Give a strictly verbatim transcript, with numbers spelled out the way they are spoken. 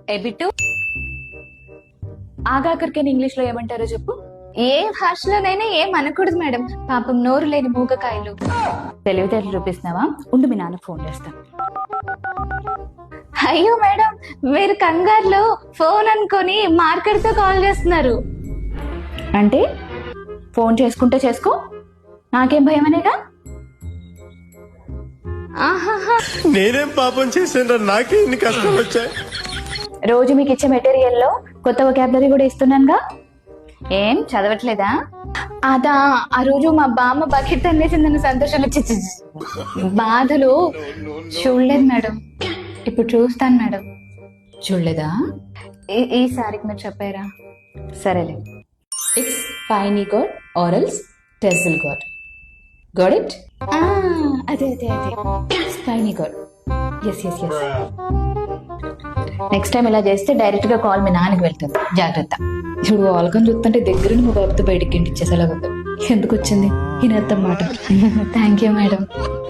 ఎబిటు ఆగాకరికని English లో ఏమంటారో చెప్పు. ఏ భాషలోనైనా ఏం అనకూడదు మేడం, పాపం నోరు లేని మూగకాయలు. తెలివితేటలు చూపిస్తున్నావా? ఉండు మీ నాన్న ఫోన్ చేస్తాను. అయ్యో మేడం, మీరు కంగారులో ఫోన్ అనుకొని మార్కెట్ తో కాల్ చేస్తున్నారు. అంటే ఫోన్ చేసుకుంటే చేసుకో, నాకేం భయం అనేగా. ఆహాహా, నేనేం పాపం చేశాను, నాకే ఇన్ని కష్టం వచ్చాయి. రోజు మీకు ఇచ్చే మెటీరియల్లో కొత్త వొకాబులరీ కూడా ఇస్తున్నానుగా. ఏం చదవట్లేదా? అదా ఆ రోజు మా బామ్మ బకెట్ అనేసిందని సంతోషంలో చి చి- చి. బాధలో చూడలేదు మేడం, ఇప్పుడు చూస్తాను మేడం. చూడలేదా? ఈ- ఈసారికి మీరు చెప్పారా? సరేలే. ఇట్స్ ఫైనీ గాడ్ ఆరల్స్ టెజిల్ గాడ్. Got it? ఆ, అదే అదే అదే స్పైనీ గాడ్. Yes yes yes. Next time ఇలా చేస్తే డైరెక్ట్ గా కాల్ మీ నాన్నకి వెళ్తుంది, జాగ్రత్త. ఇప్పుడు ఆల్కం చూస్తుంటే దగ్గర మా బాబుతో బయటికి ఇంటిచ్చేసేలాగా. ఎందుకు వచ్చింది ఈ నేత్తం మాట? Thank you madam.